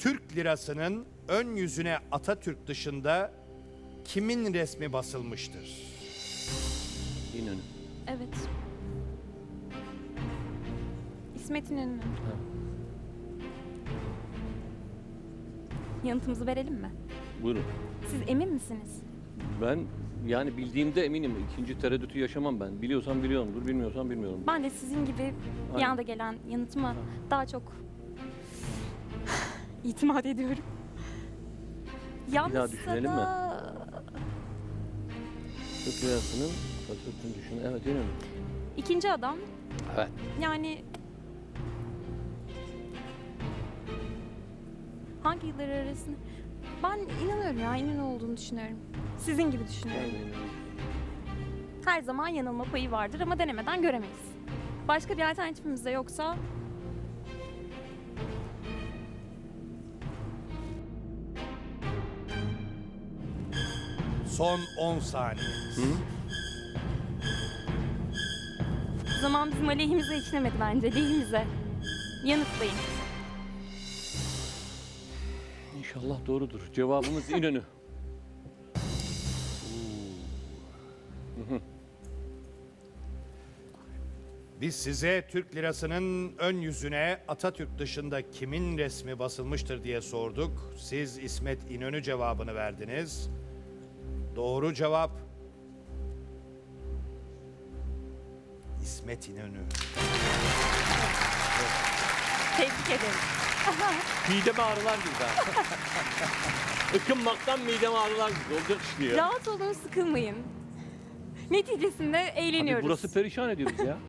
Türk lirasının ön yüzüne Atatürk dışında kimin resmi basılmıştır? İnönü. Evet. İsmet İnönü. Yanıtımızı verelim mi? Buyurun. Siz emin misiniz? Ben yani bildiğimde eminim. İkinci tereddütü yaşamam ben. Biliyorsam biliyorumdur, bilmiyorsam bilmiyorum. Ben de sizin gibi bir Aynen. anda gelen yanıtıma daha çok itimat ediyorum. Yalnız daha düşünelim mi? da Türk lirasının Atatürk'ün düşün. Evet İnönü. ikinci adam Evet. yani hangi yıllar arasında? Ben inanıyorum ya, İnönü olduğunu düşünüyorum. Sizin gibi düşünüyorum. Ben de İnönü. Her zaman yanılma payı vardır ama denemeden göremeyiz. Başka bir alternatifimiz de yoksa Son 10 saniye. o zaman bizim aleyhimize işlemedi bence, lehimize. Yanıtlayın. İnşallah doğrudur. Cevabımız İnönü. Biz size Türk lirasının ön yüzüne Atatürk dışında kimin resmi basılmıştır diye sorduk. Siz İsmet İnönü cevabını verdiniz. Doğru cevap İsmet İnönü. Tebrik ederim. Mideme ağrılar girdi. Ikınmaktan mideme ağrılar girdi. Olacak iş değil ya. Rahat olun, sıkılmayın. Neticesinde eğleniyoruz. Abi burası perişan ediyoruz ya.